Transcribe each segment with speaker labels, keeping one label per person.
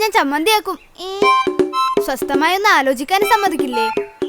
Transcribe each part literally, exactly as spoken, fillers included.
Speaker 1: ഞാൻ ചമ്മന്തിയാക്കും. സ്വസ്ഥമായി ഒന്ന് ആലോചിക്കാൻ സമ്മതിക്കില്ലേ?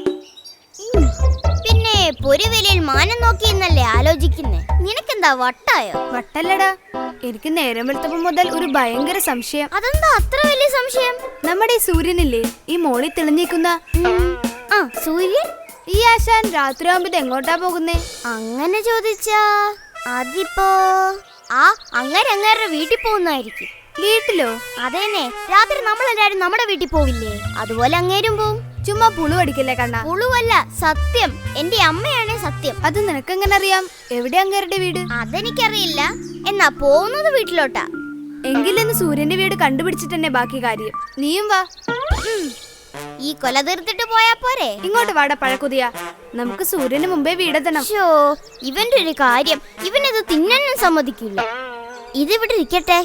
Speaker 2: പിന്നെ പൊരുവിലയിൽ മാനം നോക്കിയെന്നല്ലേ ആലോചിക്കുന്നേ? നിനക്കെന്താ വട്ടായോ?
Speaker 1: വട്ടല്ലടാ, എനിക്ക് നേരം വെളുത്തപ്പം മുതൽ ഒരു ഭയങ്കര സംശയം.
Speaker 2: അതെന്താ അത്ര വലിയ സംശയം?
Speaker 1: നമ്മുടെ ഈ സൂര്യനില്ലേ, ഈ മോളിൽ തെളിഞ്ഞിരിക്കുന്ന
Speaker 2: ആ സൂര്യൻ,
Speaker 1: ഈ ആശാൻ രാത്രി ആവുമ്പോ എങ്ങോട്ടാ പോകുന്നേ?
Speaker 2: അങ്ങനെ ചോദിച്ചാ അതിപ്പോ ആ അങ്ങനെ അങ്ങേരുടെ വീട്ടിൽ പോകുന്നതായിരിക്കും.
Speaker 1: വീട്ടിലോ?
Speaker 2: അതേനെ, രാത്രി നമ്മളെല്ലാരും നമ്മുടെ വീട്ടിൽ പോവില്ലേ, അതുപോലെ അങ്ങേരും പോവും.
Speaker 1: ചുമ്മാ പുളു അടിക്കല്ലേ കണ്ണ.
Speaker 2: പുളുവല്ല, സത്യം. എന്റെ അമ്മയാണ് സത്യം.
Speaker 1: അത് നിനക്കെങ്ങനെ അറിയാം? എവിടെ അങ്ങേരുടെ വീട്?
Speaker 2: അതെനിക്കറിയില്ല, എന്നാ പോകുന്നത് വീട്ടിലോട്ടാ.
Speaker 1: എങ്കിലിന്ന് സൂര്യന്റെ വീട് കണ്ടുപിടിച്ചിട്ട് തന്നെ ബാക്കി കാര്യം. നീയും വാ.
Speaker 2: ഈ കൊല തീർത്തിട്ട് പോയാ പോരെ?
Speaker 1: ഇങ്ങോട്ട് വാട പഴക്കുതിയ, നമുക്ക് സൂര്യന് മുമ്പേ വീടെത്തണം.
Speaker 2: ഷോ, ഇവന്റെ ഒരു കാര്യം, ഇവനത് തിന്നാനും സമ്മതിക്കില്ല. ഇതിവിടെ ഇരിക്കട്ടെ.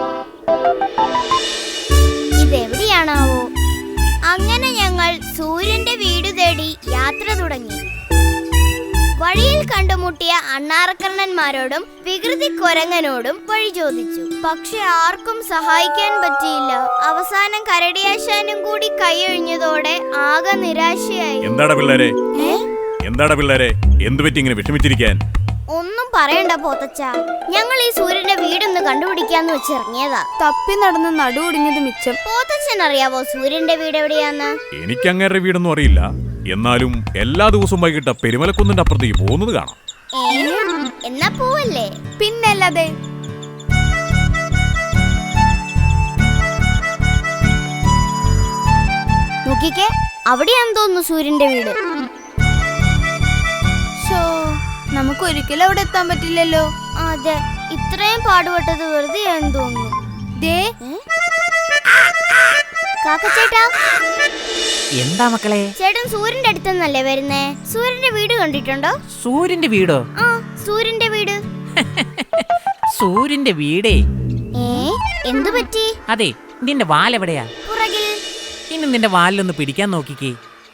Speaker 2: ഇതെവിടെയാണാവോ? അങ്ങനെ ഞങ്ങൾ സൂര്യന്റെ വീട് തേടി യാത്ര തുടങ്ങി. വഴിയിൽ കണ്ടുമുട്ടിയ അണ്ണാറക്കണ്ണന്മാരോടും വികൃതി കൊരങ്ങനോടും വഴി ചോദിച്ചു. പക്ഷെ ആർക്കും സഹായിക്കാൻ പറ്റിയില്ല. അവസാനം കരടിയാശാനും കൂടി കൈയൊഴിഞ്ഞതോടെ ആകെ നിരാശയായി.
Speaker 3: എന്താടാ പിള്ളേരെ, എന്താടാ പിള്ളേരെ, എന്തു പറ്റി ഇങ്ങനെ വിഷമിച്ചിരിക്കാൻ?
Speaker 2: ഒന്നും പറയണ്ട പോത്തച്ച, ഞങ്ങൾ ഈ സൂര്യന്റെ വീടൊന്ന് കണ്ടുപിടിക്കാന്ന് വെച്ചിറങ്ങിയതാ.
Speaker 1: തപ്പി നടന്ന് നടു ഒടിഞ്ഞത് മിച്ചം.
Speaker 2: പോത്തച്ഛൻ അറിയാവോ സൂര്യന്റെ വീട് എവിടെയാന്ന്?
Speaker 3: എനിക്ക് അങ്ങേരുടെ വീടൊന്നും അറിയില്ല. എന്നാലും എല്ലാ ദിവസവും വൈകിട്ട് പെരുമലക്കുന്നിന്റെ അപ്പുറത്തേക്ക് പോകുന്നത് കാണാം.
Speaker 2: എന്നാ പോവല്ലേ?
Speaker 1: പിന്നല്ലാതെ.
Speaker 2: നോക്കിക്കേ, അവിടെയാന്ന് തോന്നുന്നു സൂര്യന്റെ വീട്.
Speaker 1: നമുക്ക് ഒരിക്കലും അവിടെ എത്താൻ പറ്റില്ലല്ലോ.
Speaker 2: അതെ, ഇത്രയും പാടുപെട്ടത് വെറുതെ ആണെന്ന് തോന്നുന്നു. കാക്കച്ചേട്ടാ,
Speaker 4: എന്താ മക്കളെ?
Speaker 2: ചേട്ടൻ സൂര്യന്റെ അടുത്തുനിന്നല്ലേ വരുന്നേ? സൂര്യന്റെ വീട് കണ്ടിട്ടുണ്ടോ?
Speaker 4: സൂര്യന്റെ വീടോ?
Speaker 2: ആ, സൂര്യന്റെ വീട്.
Speaker 4: സൂര്യന്റെ വീടേ?
Speaker 2: ഏ, എന്തു പറ്റി?
Speaker 4: അതെ, നിന്റെ വാലെവിടെയാ?
Speaker 2: പുറകിൽ.
Speaker 4: ഇനി നിന്റെ വാലിലൊന്ന് പിടിക്കാൻ നോക്കിക്കേ.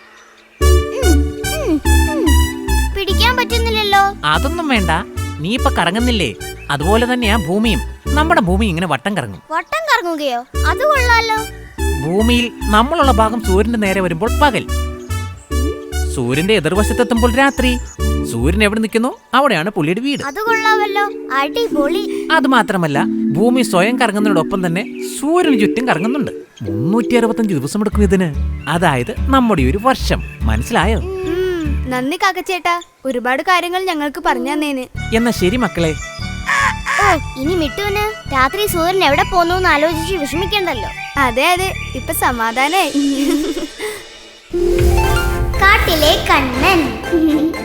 Speaker 2: പിടിക്കാൻ പറ്റുന്നില്ലല്ലോ.
Speaker 4: അതൊന്നും വേണ്ട, നീ ഇപ്പൊ കറങ്ങുന്നില്ലേ, അതുപോലെ തന്നെയാ ഭൂമിയും. നമ്മുടെ ഭൂമി ഇങ്ങനെ വട്ടം കറങ്ങും.
Speaker 2: വട്ടം കറങ്ങുകയോ? അത് കൊള്ളാലോ.
Speaker 4: ഭൂമിയിൽ നമ്മളുള്ള ഭാഗം സൂര്യന്റെ നേരെ വരുമ്പോൾ പകൽ, സൂര്യന്റെ എതിർവശത്തെത്തുമ്പോൾ രാത്രി. സൂര്യൻ എവിടെ നിൽക്കുന്നു അവിടെയാണ് പുള്ളിയുടെ വീട്.
Speaker 2: അത് കൊള്ളാമല്ലോ, അടിപൊളി.
Speaker 4: അത് മാത്രമല്ല, ഭൂമി സ്വയം കറങ്ങുന്നതിനോടൊപ്പം തന്നെ സൂര്യന് ചുറ്റും കറങ്ങുന്നുണ്ട്. മുന്നൂറ്റി അറുപത്തഞ്ച് ദിവസം എടുക്കും ഇതിന്. അതായത് നമ്മുടെ ഒരു വർഷം. മനസ്സിലായോ?
Speaker 1: നന്ദി കാക്കച്ചേട്ടാ, ഒരുപാട് കാര്യങ്ങൾ ഞങ്ങൾക്ക് പറഞ്ഞു തന്നേന്.
Speaker 4: എന്നാ ശരി മക്കളെ.
Speaker 2: ഓ, ഇനി മിട്ടുവിന് രാത്രി സൂര്യൻ എവിടെ പോന്നു എന്ന് ആലോചിച്ച് വിഷമിക്കണ്ടല്ലോ.
Speaker 1: അതെ അതെ, ഇപ്പൊ സമാധാനായി.
Speaker 2: കാട്ടിലെ കണ്ണൻ.